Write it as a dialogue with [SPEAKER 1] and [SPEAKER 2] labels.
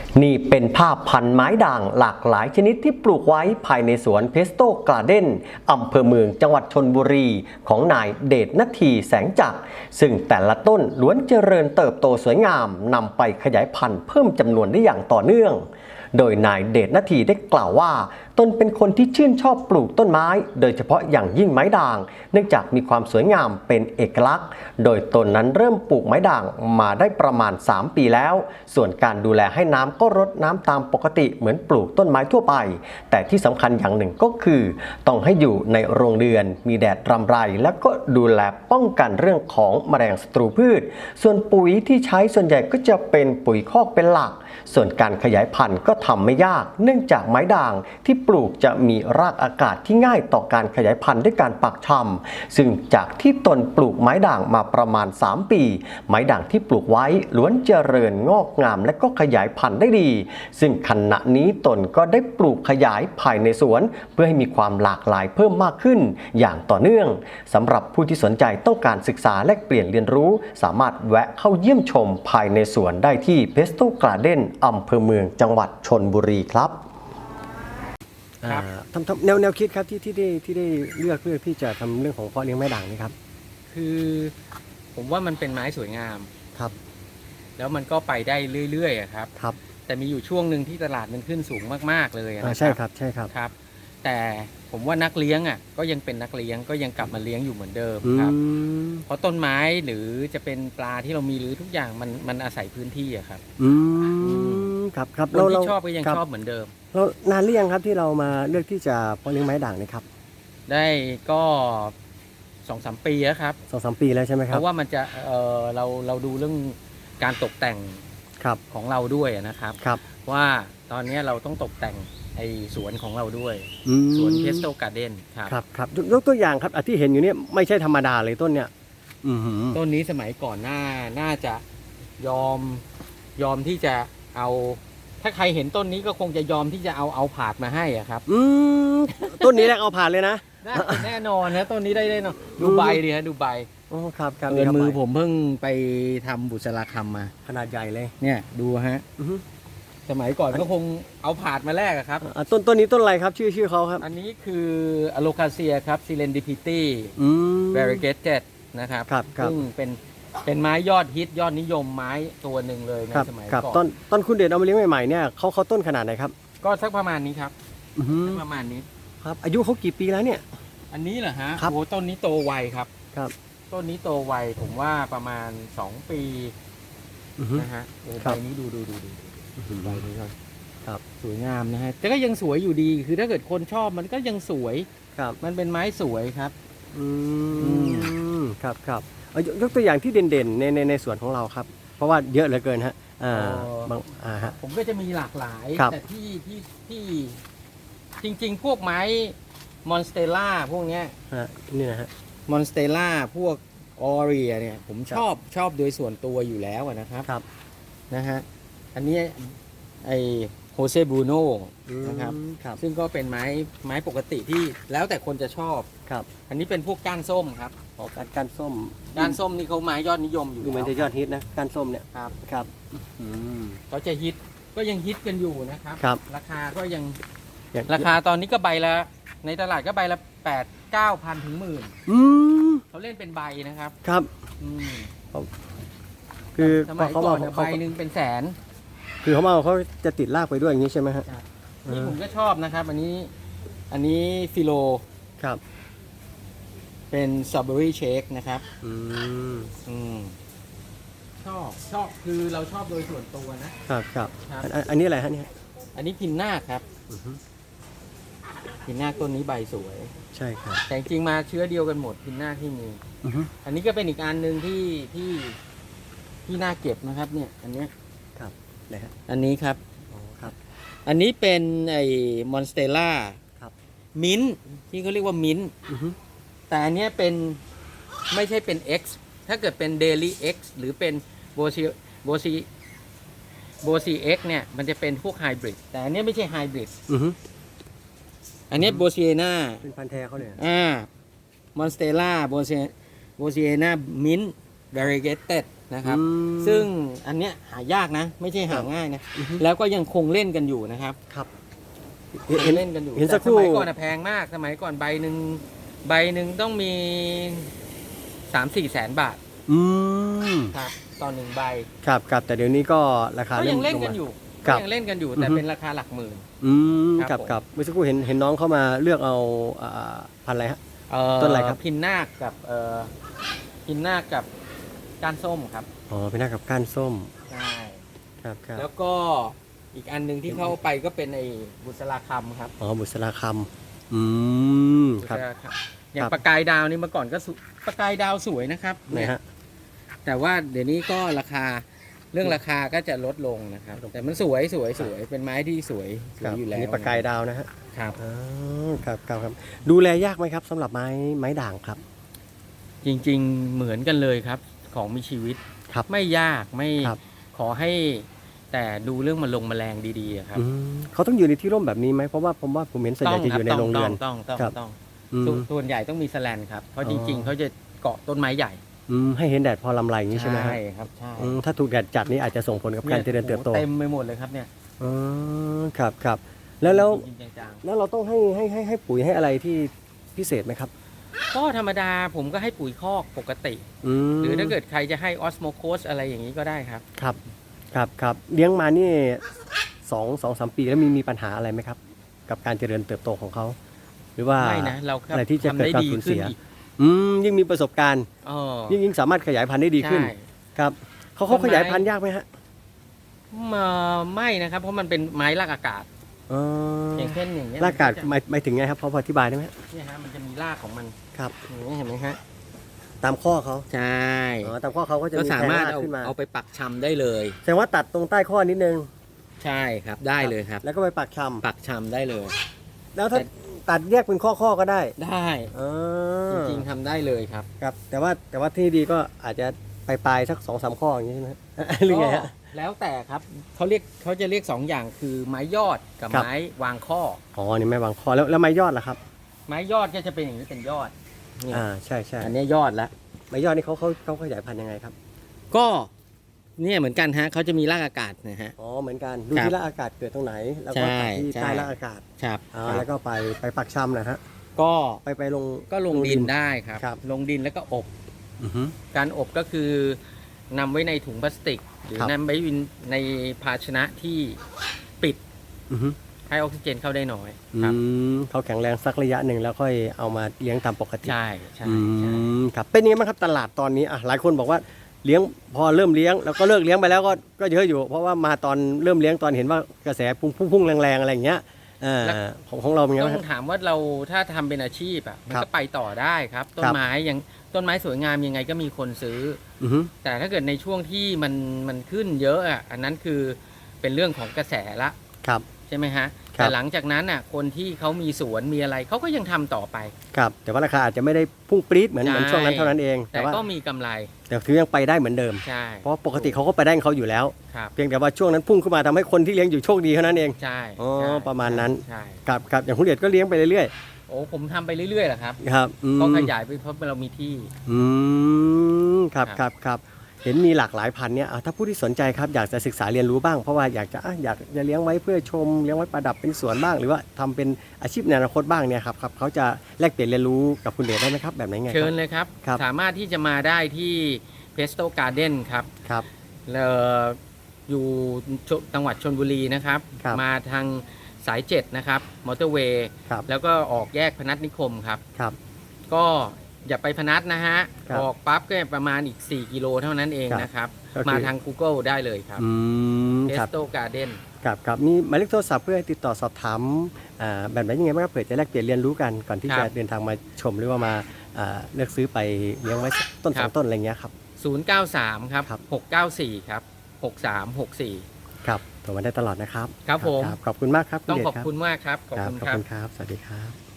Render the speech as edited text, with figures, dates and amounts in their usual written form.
[SPEAKER 1] นี่เป็นภาพพันธุ์ไม้ด่างหลากหลายชนิดที่ปลูกไว้ภายในสวนเพสโตการ์เด้นอำเภอเมืองจังหวัดชลบุรีของนายเดชนาทีแสงจักรซึ่งแต่ละต้นล้วนเจริญเติบโตสวยงามนำไปขยายพันธุ์เพิ่มจำนวนได้อย่างต่อเนื่องโดยนายเดชนาทีได้กล่าวว่าตนเป็นคนที่ชื่นชอบปลูกต้นไม้โดยเฉพาะอย่างยิ่งไม้ด่างเนื่องจากมีความสวยงามเป็นเอกลักษณ์โดยตนนั้นเริ่มปลูกไม้ด่างมาได้ประมาณ3 ปีแล้วส่วนการดูแลให้น้ำก็รดน้ำตามปกติเหมือนปลูกต้นไม้ทั่วไปแต่ที่สำคัญอย่างหนึ่งก็คือต้องให้อยู่ในโรงเรือนมีแดดรำไรแล้วก็ดูแลป้องกันเรื่องของแมลงศัตรูพืชส่วนปุ๋ยที่ใช้ส่วนใหญ่ก็จะเป็นปุ๋ยคอกเป็นหลักส่วนการขยายพันธุ์ก็ทำไม่ยากเนื่องจากไม้ด่างที่ปลูกจะมีรากอากาศที่ง่ายต่อการขยายพันธุ์ด้วยการปักชำซึ่งจากที่ตนปลูกไม้ด่างมาประมาณ3 ปีไม้ด่างที่ปลูกไว้ล้วนเจริญงอกงามและก็ขยายพันธุ์ได้ดีซึ่งขณะนี้ตนก็ได้ปลูกขยายภายในสวนเพื่อให้มีความหลากหลายเพิ่มมากขึ้นอย่างต่อเนื่องสำหรับผู้ที่สนใจต้องการศึกษาและเปลี่ยนเรียนรู้สามารถแวะเข้าเยี่ยมชมภายในสวนได้ที่เพสโตการ์เด้นอำเภอเมืองจังหวัดชลบุรีครับแนวคิดครับที่ได้เลือกที่จะทำเรื่องของเพาะเลี้ยงไม้ด่างนี่ครับ
[SPEAKER 2] คือผมว่ามันเป็นไม้สวยงาม
[SPEAKER 1] ครับ
[SPEAKER 2] แล้วมันก็ไปได้เรื่อยๆครับ
[SPEAKER 1] ครับ
[SPEAKER 2] แต่มีอยู่ช่วงหนึ่งที่ตลาดมันขึ้นสูงมากๆเลยนะ
[SPEAKER 1] ใช่ครับใช่ครับ
[SPEAKER 2] ครับแต่ผมว่านักเลี้ยงก็ยังเป็นนักเลี้ยงก็ยังกลับมาเลี้ยงอยู่เหมือนเดิมครับเพราะต้นไม้หรือจะเป็นปลาที่เรามีหรือทุกอย่างมันอาศัยพื้นที่ครับ
[SPEAKER 1] ครับ
[SPEAKER 2] คนที่ชอบก็ยังชอบเหมือนเดิม
[SPEAKER 1] แล้วนานหรือยังครับที่เรามาเลือกที่จะเพาะเลี้ยงไม้ด่างนี่ครับ
[SPEAKER 2] ได้ก็2-3 ปีแล้วครับ
[SPEAKER 1] 2-3 ปีแล้วใช่ไหมครับ
[SPEAKER 2] เพราะว่ามันจะเราดูเรื่องการตกแต่งของเราด้วยนะครับว่าตอนนี้เราต้องตกแต่งไอ้สวนของเราด้วยสวนเพสโตการ์เด้น
[SPEAKER 1] ครับยกตัวอย่างครับที่เห็นอยู่นี่ไม่ใช่ธรรมดาเลยต้นเนี้ย
[SPEAKER 2] ต้นนี้สมัยก่อนน่าจะยอมที่จะเอาถ้าใครเห็นต้นนี้ก็คงจะยอมที่จะเอาผาดมาให้ครับ
[SPEAKER 1] ต้นนี้แหละเอาผาดเลยนะ
[SPEAKER 2] แน่นอนนะต้นนี้ได้เนาะดูใบดิฮะดูใบ
[SPEAKER 1] ครับ
[SPEAKER 2] มือผมเพิ่งไปทำบุษราคำมา
[SPEAKER 1] ขนาดใหญ่เลย
[SPEAKER 2] เนี่ยดูฮะสมัยก่อนก็คงเอาผาดมาแลกครับ
[SPEAKER 1] ต้นนี้ต้นอะไรครับชื่อเขาครับ
[SPEAKER 2] อันนี้คืออะโลคาเซียครับซิเลนดิพิตี้variegated นะครับซึ่งเป็นไม้ยอดฮิตยอดนิยมไม้ตัวหนึ่งเลยในสมัยก่อน
[SPEAKER 1] ต้นคุณเดชเอามาเลี้ยงใหม่ๆเนี่ยเขาต้นขนาดไหนครับ
[SPEAKER 2] ก็สักประมาณนี้ครับประมาณนี้
[SPEAKER 1] ครับอายุเขากี่ปีแล้วเนี่ย
[SPEAKER 2] อันนี้เหรอฮะโอ้ต้นนี้โตไวครับต้นนี้โตไวผมว่าประมาณ2 ปีนะฮะใบนี้ดูใบนี้ครับสวยงามนะฮะแต่ก็ยังสวยอยู่ดีคือถ้าเกิดคนชอบมันก็ยังสวยมันเป็นไม้สวยครับ
[SPEAKER 1] ครับยกตัวอย่างที่เด่นๆในสวนของเราครับเพราะว่าเยอะเหลือเกินฮะ
[SPEAKER 2] ผมก็จะมีหลากหลายแต่ที่จริงๆพวกไม้มอนสเตลล่าพวกเนี้ย
[SPEAKER 1] นี่นะฮะ
[SPEAKER 2] มอนสเตลล่าพวกออเรียเนี่ยผมชอบโดยส่วนตัวอยู่แล้วนะครับนะฮะอันนี้ไอโฮเซบรูโน่นะครับซึ่งก็เป็นไม้ปกติที่แล้วแต่คนจะชอบอันนี้เป็นพวกก้านส้มครับ
[SPEAKER 1] ก้านส้ม
[SPEAKER 2] นี่เขาไม้ยอดนิยมอยู่
[SPEAKER 1] ดูเหมือนจะยอดฮิตนะก้านส้มเนี่ยครับ
[SPEAKER 2] เขาจะฮิตก็ยังฮิตกันอยู่นะครับราคาก็ยังราคาตอนนี้ก็ใบละในตลาดก็ใบละ8-9 พันถึง10,000เขาเล่นเป็นใบนะครับ
[SPEAKER 1] คือ
[SPEAKER 2] สมัยก่อนใบหนึ่งเป็นแสน
[SPEAKER 1] คือเขาจะติดรากไปด้วยอย่างนี้ใช่ไหมฮะ
[SPEAKER 2] นี่ผมก็ชอบนะครับอันนี้ฟิโลเป็นสตรอเบอรี่เชคนะครับชอบคือเราชอบโดยส่วนตัว
[SPEAKER 1] นะครับอันนี้อะไรฮะเนี่ย
[SPEAKER 2] อันนี้พินนาคครับพินนาคต้นนี้ใบสวย
[SPEAKER 1] ใช่ครับ
[SPEAKER 2] แต่จริงมาเชื้อเดียวกันหมดพินนาคที่มีอันนี้ก็เป็นอีกอันหนึ่งที่น่าเก็บนะครับเนี่ยอันนี้
[SPEAKER 1] ครับ
[SPEAKER 2] อันนี้ครับอันนี้เป็นไอ้มอนสเตลล่ามิ้นที่เขาเรียกว่ามิ้นแต่อันนี้เป็นไม่ใช่เป็น X ถ้าเกิดเป็น Daily X หรือเป็นโบซีX เนี่ยมันจะเป็นพวกไฮบริดแต่อันนี้ไม่ใช่ไฮบริดอันนี้โบซีเอน่า
[SPEAKER 1] เป็นพันธุ์แท้เขาเลย
[SPEAKER 2] มอนสเตลล่าโบซีเอน่ามิ้น variegated นะครับ
[SPEAKER 1] อืม
[SPEAKER 2] ซึ่งอันเนี้ยหายากนะ ไม่ใช่หาง่ายนะ แล้วก็ยังคงเล่นกันอยู่นะครับ
[SPEAKER 1] ครับ
[SPEAKER 2] คงเล่นกันอยู่
[SPEAKER 1] เห็นสักค
[SPEAKER 2] แต่
[SPEAKER 1] รู่
[SPEAKER 2] สมัยก่อนนะแพงมาก สมัยก่อนใบหนึ่งต้องมี 3-4 แสนบาท
[SPEAKER 1] อืม
[SPEAKER 2] ครับต่อหนึ่งใบ
[SPEAKER 1] ครับครับแต่เดี๋ยวนี้ก็ราคา
[SPEAKER 2] ก็
[SPEAKER 1] เริ่
[SPEAKER 2] ยั
[SPEAKER 1] ม
[SPEAKER 2] งเล่น
[SPEAKER 1] ลง
[SPEAKER 2] กัน
[SPEAKER 1] มา
[SPEAKER 2] อยู่
[SPEAKER 1] ครั
[SPEAKER 2] ก็
[SPEAKER 1] บ
[SPEAKER 2] ยังเล่นกันอยู่แต่
[SPEAKER 1] อือฮึ
[SPEAKER 2] เป็นราคาหลักหมื่น
[SPEAKER 1] อืม
[SPEAKER 2] ครับ
[SPEAKER 1] ครับครับเมื่อสักครู่เห็นน้องเข้ามาเลือกเอาพันธุ์อะไรฮะ ต้นอะไรครับ
[SPEAKER 2] พินนาคกับพินนาคกับก้านส้มครับ
[SPEAKER 1] อ๋อเป็นหน้ากับก้านส้ม
[SPEAKER 2] ใช่
[SPEAKER 1] ครับครับ
[SPEAKER 2] แล้วก็อีกอันหนึ่งที่เข้าไปก็เป็นไอ้บุษราคำครับ
[SPEAKER 1] อ๋อบุษราคำอืมครับ
[SPEAKER 2] บุษราคำอย่าง
[SPEAKER 1] ครับ
[SPEAKER 2] ประกายดาวนี่เมื่อก่อนก็ประกายดาวสวยนะครับ
[SPEAKER 1] ไหนฮะ
[SPEAKER 2] แต่ว่าเดี๋ยวนี้ก็ราคาเรื่องราคาก็จะลดลงนะครับ แต่มันสวยเป็นไม้ที่สวย
[SPEAKER 1] ครับ
[SPEAKER 2] อยู่
[SPEAKER 1] อั
[SPEAKER 2] แล้
[SPEAKER 1] น
[SPEAKER 2] ว
[SPEAKER 1] นี้ประกายดาวนะฮะ
[SPEAKER 2] ครับ
[SPEAKER 1] อ๋อครับครับครับดูแลยากไหมครับสำหรับไม้ด่างครับ
[SPEAKER 2] จริงๆเหมือนกันเลยครับ ของมีชีวิต
[SPEAKER 1] ครับ
[SPEAKER 2] ไม่ยากไม่
[SPEAKER 1] ครับ
[SPEAKER 2] ขอให้แต่ดูเรื่องแมลงดีๆอะครับ
[SPEAKER 1] อืมเขาต้องอยู่ในที่ร่มแบบนี้ไหมเพราะว่าผมเห็นส่วนใหญ่จะอยู่ในโรงเรือน
[SPEAKER 2] ต้อง
[SPEAKER 1] ครับ
[SPEAKER 2] ต้อง
[SPEAKER 1] อืม
[SPEAKER 2] ส่วนใหญ่ต้องมีแสแลนครับ เพราะ
[SPEAKER 1] อ๋
[SPEAKER 2] จ
[SPEAKER 1] อ
[SPEAKER 2] ริงๆเขาจะเกาะต้นไม้ใหญ่
[SPEAKER 1] ให้เห็นแดดพอลำไรอย่างนี้ใช่ไหมฮะ
[SPEAKER 2] ครับใช่
[SPEAKER 1] ถ้าถูกแดดจัดนี่อาจจะส่งผลกับการเจริญเติบโต
[SPEAKER 2] เต็มไปหมดเลยครับเนี่ย
[SPEAKER 1] อ๋อครับครับแล้ว
[SPEAKER 2] จริงๆจัง
[SPEAKER 1] แล้วเราต้องให้ปุ๋ยให้อะไรที่พิเศษไหมครับ
[SPEAKER 2] ๆก็ธรรมดาผมก็ให้ปุ๋ยคอกปกติ
[SPEAKER 1] ม
[SPEAKER 2] หรือถ้าเกิดใครจะให้ออสโมโคสอะไรอย่างนี้ก็ได้ครับ
[SPEAKER 1] ครับครับเลี้ยงมานี่2-3 ปีแล้วมีปัญหาอะไรไหมครับ กับการเจริญเติบโตของเขาหรือว่า
[SPEAKER 2] ไม่นะเราครับ
[SPEAKER 1] อะไรที่จะ
[SPEAKER 2] ทำ
[SPEAKER 1] เกิด
[SPEAKER 2] ได้
[SPEAKER 1] ความ
[SPEAKER 2] ดี
[SPEAKER 1] สูญ
[SPEAKER 2] ขึ้น
[SPEAKER 1] เสีย
[SPEAKER 2] อีก
[SPEAKER 1] ยิ่งมีประสบการณ์
[SPEAKER 2] อ๋อ
[SPEAKER 1] ยิ่งสามารถขยายพันธุ์ได้ดีขึ้น
[SPEAKER 2] ใช่
[SPEAKER 1] ครับเขา
[SPEAKER 2] ต้นไม้
[SPEAKER 1] ขยายพันธุ์ยากไหมฮะ
[SPEAKER 2] ไม่นะครับ เพราะมันเป็นไม้รากอากาศ
[SPEAKER 1] อ๋อ
[SPEAKER 2] อย่างเช่นอย่างเงี้ย
[SPEAKER 1] รากอากาศ
[SPEAKER 2] มันจะ
[SPEAKER 1] หมายถึงไงครับพออธิบายได้ไหมฮะ
[SPEAKER 2] เนี่ยฮะมันจะมีรากของมัน
[SPEAKER 1] ครับ
[SPEAKER 2] อย่างนี้เห็นไหมฮะ
[SPEAKER 1] ตามข้อเขา
[SPEAKER 2] ใช่
[SPEAKER 1] ตามข้อเขาก็จะ
[SPEAKER 2] ก็
[SPEAKER 1] มี
[SPEAKER 2] สา
[SPEAKER 1] แทง
[SPEAKER 2] มารถ
[SPEAKER 1] ราก
[SPEAKER 2] เอา
[SPEAKER 1] ขึ้นมา
[SPEAKER 2] เอาไปปักชำได้เลย
[SPEAKER 1] แสดงว่าตัดตรงใต้ข้อนิดนึง
[SPEAKER 2] ใช่ครับได้เลยครับ
[SPEAKER 1] แล้วก็ไปปักช
[SPEAKER 2] ปักชำได้เลย
[SPEAKER 1] ำแล้วถ้าตัดแยกเป็นข้อก็ได้
[SPEAKER 2] ได้
[SPEAKER 1] อ๋อ
[SPEAKER 2] จริงๆทำได้เลยครับ
[SPEAKER 1] ครับแต่ว่าที่ดีก็อาจจะปลายสัก2-3 ข้ออย่างนี้ใช่ไหมฮะ หรือไงฮะ
[SPEAKER 2] ก็แล้วแต่ครับเขาจะเรียก2อย่างคือไม้ยอดกับ
[SPEAKER 1] ครับ
[SPEAKER 2] ไม้วางข้อ
[SPEAKER 1] อ๋อนี่ไม่วางข้อแล้วไม้ยอดล่ะครับ
[SPEAKER 2] ไม้ยอดก็จะเป็นอย่างนี้เป็นยอดนี่
[SPEAKER 1] ใช่
[SPEAKER 2] อันนี้ยอดละ
[SPEAKER 1] ไม้ยอดนี่เขาขยายพันธุ์ยังไงครับ
[SPEAKER 2] ก็เนี่ยเหมือนกันฮะเขาจะมีรากอากาศนะฮะ
[SPEAKER 1] อ๋อเหมือนกันดู
[SPEAKER 2] ครับ
[SPEAKER 1] ที่รากอากาศเกิดตรงไหน แล้วก็
[SPEAKER 2] ใช่
[SPEAKER 1] ตัดที่
[SPEAKER 2] ใช่
[SPEAKER 1] ใต้รากอากาศ
[SPEAKER 2] ครับ
[SPEAKER 1] แล้วก็ไปปักชำนะฮะ
[SPEAKER 2] ก็
[SPEAKER 1] ไปลง
[SPEAKER 2] ก็ลงดินได้ครับ
[SPEAKER 1] ครับ
[SPEAKER 2] ลงดินแล้วก็อบ
[SPEAKER 1] อือฮึ
[SPEAKER 2] การอบก็คือนำไว้ในถุงพลาสติก หรือ
[SPEAKER 1] ครับ
[SPEAKER 2] นำไว้ในภาชนะที่ปิด
[SPEAKER 1] อือฮึ
[SPEAKER 2] ให้ออกซิเจนเข้าได้น้อยครับ
[SPEAKER 1] เขาแข็งแรงสักระยะหนึ่งแล้วค่อยเอามาเลี้ยงตามปกติ
[SPEAKER 2] ใช่ใช่
[SPEAKER 1] อื
[SPEAKER 2] ใช่
[SPEAKER 1] มครับเป็นยังไงบ้างครับตลาดตอนนี้หลายคนบอกว่าเลี้ยงพอเริ่มเลี้ยงแล้วก็เลิกเลี้ยงไปแล้วก็เยอะอยู่ เพราะว่ามาตอนเริ่มเลี้ยงตอนเห็นว่ากระแสพุ่งแรงๆอะไรอย่างเงี้ยของเราเป็นไง
[SPEAKER 2] ต้
[SPEAKER 1] บ้าง
[SPEAKER 2] อ
[SPEAKER 1] ครั
[SPEAKER 2] ง
[SPEAKER 1] บ
[SPEAKER 2] ถามว่าเราถ้าทำเป็นอาชีพอ่ะมัน
[SPEAKER 1] ครั
[SPEAKER 2] ก็
[SPEAKER 1] บ
[SPEAKER 2] ไปต่อได้ครับ ต้
[SPEAKER 1] คน รับ
[SPEAKER 2] ไม้ยังต้นไม้สวยงามยังไงก็มีคนซื้อ
[SPEAKER 1] อือฮึ
[SPEAKER 2] แต่ถ้าเกิดในช่วงที่มันขึ้นเยอะอ่ะอันนั้นคือเป็นเรื่องของกระแสละ
[SPEAKER 1] ครับ
[SPEAKER 2] ใช่ไหมฮะ
[SPEAKER 1] ครับ
[SPEAKER 2] แต่หลังจากนั้นอ่ะคนที่เขามีสวนมีอะไรเขาก็ยังทำต่อไป
[SPEAKER 1] ครับแต่ว่าราคาอาจจะไม่ได้พุ่งปรี๊ดเหมือน
[SPEAKER 2] ใช่
[SPEAKER 1] ช่วงนั้นเท่านั้นเอง
[SPEAKER 2] แต่
[SPEAKER 1] ว่า
[SPEAKER 2] ก็มีกำไร
[SPEAKER 1] แต่ถือยังไปได้เหมือนเดิม
[SPEAKER 2] ใช่
[SPEAKER 1] เพราะปกติเขาก็ไปได้ของเขาอยู่แล้ว
[SPEAKER 2] ครับ
[SPEAKER 1] เพียงแต่ว่าช่วงนั้นพุ่งขึ้นมาทำให้คนที่เลี้ยงอยู่โชคดีเท่านั้นเอง
[SPEAKER 2] ใช่
[SPEAKER 1] อ๋อ
[SPEAKER 2] ใช่
[SPEAKER 1] ประมาณนั้น
[SPEAKER 2] ใช่
[SPEAKER 1] ครับอย่างคุณเดชก็เลี้ยงไปเรื่อย
[SPEAKER 2] โอ้ผมทำไปเรื่อยๆแหละครับ
[SPEAKER 1] ๆครับอืม
[SPEAKER 2] ก็ขยายไปเพราะเรามีที่
[SPEAKER 1] ครับ
[SPEAKER 2] ครับ
[SPEAKER 1] ครับเห็นมีหลากหลายพันธุ์เนี่ยถ้าผู้ที่สนใจครับอยากจะศึกษาเรียนรู้บ้างเพราะว่าอยากจะเลี้ยงไว้เพื่อชมเลี้ยงไว้ประดับเป็นสวนบ้าง หรือว่าทำเป็นอาชีพในอนาคตบ้างเนี่ยครับเขาจะแลกเปลี่ยนเรียนรู้กับคุณเดชได้ไหมครับแบบไหนไงค
[SPEAKER 2] เชิ
[SPEAKER 1] รั
[SPEAKER 2] ญเลยครับ
[SPEAKER 1] ครับ
[SPEAKER 2] สามารถที่จะมาได้ที่เพสโตการ์เด้นครับ
[SPEAKER 1] ครับ
[SPEAKER 2] อยู่จังหวัดชลบุรีนะครับ
[SPEAKER 1] ครับ
[SPEAKER 2] มาทางสาย7นะครับมอเตอร์เวย์
[SPEAKER 1] ครับ
[SPEAKER 2] แล้วก็ออกแยกพนัสนิคมครับ
[SPEAKER 1] ครับ
[SPEAKER 2] ก็อย่าไปพนัสนะฮะ
[SPEAKER 1] ครับ
[SPEAKER 2] ออกปั๊บก็ประมาณอีก4กิโลเท่านั้นเอง
[SPEAKER 1] ครับ
[SPEAKER 2] นะครับ
[SPEAKER 1] ก็คือ
[SPEAKER 2] มาทาง Google ได้เลยครับ เพ
[SPEAKER 1] ครั
[SPEAKER 2] ส
[SPEAKER 1] บ
[SPEAKER 2] โตการ์เด้น
[SPEAKER 1] ครับมีหมายเลขโทรศัพท์เพื่อติดต่อสอบถามแบบไหนยังไงบ้างครับเผื่อจะแลกเปลี่ยนเรียนรู้กันก่อนที่
[SPEAKER 2] ครั
[SPEAKER 1] จะ
[SPEAKER 2] บ
[SPEAKER 1] เดินทางมาชมหรือว่ามาเลือกซื้อไปเลี้ยงไว้สักต้น
[SPEAKER 2] ค
[SPEAKER 1] ส
[SPEAKER 2] รั
[SPEAKER 1] อบ งต้นอะไรเงี้ยครับ
[SPEAKER 2] 093 ครับ
[SPEAKER 1] ครับ
[SPEAKER 2] 694 ครับ 6364
[SPEAKER 1] ครับโทรมาได้ตลอดนะครับ
[SPEAKER 2] ครับผม
[SPEAKER 1] ขอบคุณมากครับ
[SPEAKER 2] ต้อง
[SPEAKER 1] ณเดช
[SPEAKER 2] ขอบ
[SPEAKER 1] รับ
[SPEAKER 2] คุณมากครับ ขอบ
[SPEAKER 1] ครับ
[SPEAKER 2] คุณ
[SPEAKER 1] ขอบ
[SPEAKER 2] ครับ
[SPEAKER 1] คุณครับ สวัสดีครับ